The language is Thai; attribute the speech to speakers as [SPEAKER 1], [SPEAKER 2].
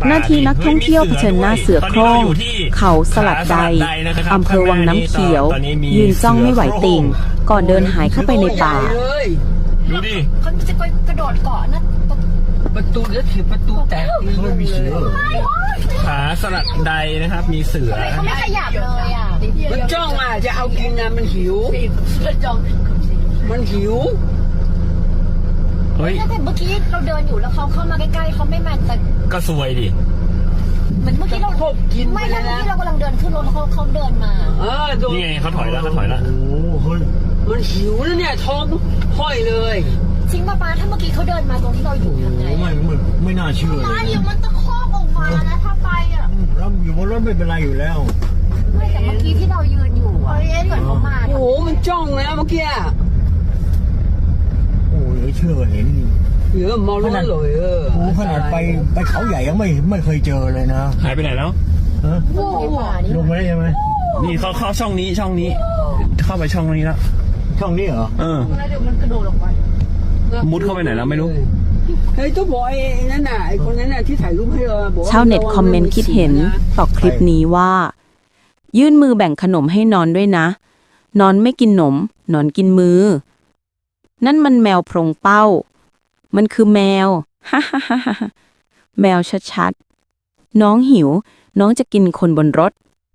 [SPEAKER 1] หน้าที่นักท่องเที่ยวเผชิญหน้าเสือโคร่งเขาสลัดใดอำเภอวังน้ำเขียว ยืนจ้องไม่ไหวติ่งก่อนเดินหายเข้าไปในป่า
[SPEAKER 2] ดูดิ
[SPEAKER 3] เขาจะกระโดดเกาะนะ
[SPEAKER 4] ประตูแล้วถือประตูแตกไม่มีเสือ
[SPEAKER 2] ผาสลัดใดนะครับมีเสือ
[SPEAKER 3] เขาไม่ขยับเลยอ่ะ
[SPEAKER 4] มันจ้องอ่ะจะเอากินนะมันหิวมันหิว
[SPEAKER 2] เฮ้ย
[SPEAKER 3] แต่เมื่อกี้เราเดินอยู่แล้วเขาเข้ามาใกล้ๆเขาไม่มาแต่
[SPEAKER 2] ก็ซวยดิ
[SPEAKER 3] เหมือนเมื่อกี้เราไม่แล้วเมื่อกี้เรากำลังเดินขึ้นรถเขาเดินมา
[SPEAKER 2] นี่ไงเขาถอยแล้วโอ้
[SPEAKER 4] โหมันหิวแล้วเนี่ยท้องห้อยเลย
[SPEAKER 3] จริงป่ะป้าถ้าเมื่อกี้เขาเดินมาตรงที่เราอยู่ทำไง
[SPEAKER 5] ไม่น่าเชื่อ
[SPEAKER 3] ป้าอยู่มันตะคอกออกมานะถ้าไปอ่ะ
[SPEAKER 5] เราอยู่บนรถไม่เป็นไรอยู่แล้ว
[SPEAKER 3] ไม่แต่เมื่อกี้ที่เรายืนอยู่อ่ะก่อนเขามา
[SPEAKER 4] โอ้โหมันจ้องนะเมื่อกี้
[SPEAKER 5] โอ้ยเชื่อเห็น
[SPEAKER 4] เยอะมองแล้วเลย
[SPEAKER 5] โอ้ขนาดไปเขาใหญ่ยังไม่เคยเจอเลยนะ
[SPEAKER 2] หายไปไหนแล้ว
[SPEAKER 5] ลงมาได้ใช่ไหม
[SPEAKER 2] นี่เขาเข้าช่องนี้เข้าไปช่องนี้แล้ว
[SPEAKER 5] ช่องนี้เหรอ
[SPEAKER 3] แล้วเดี๋ยวมันกระโดดลงไป
[SPEAKER 2] มุดเข้าไปไหนแล้วไม่รู้
[SPEAKER 4] เฮ้ยตัวบอยนั่นน่ะไอ้คนนั้นน่ะที่ถ่ายรูปให้เรา
[SPEAKER 1] ชาวเน็ตคอมเมนต์คิดเห็นต่อคลิปนี้ว่ายื่นมือแบ่งขนมให้นอนด้วยนะนอนไม่กินหนมนอนกินมือนั่นมันแมวโพรงเป้ามันคือแมวฮ่าฮ่าฮ่าแมวชัดๆน้องหิวน้องจะกินคนบนรถ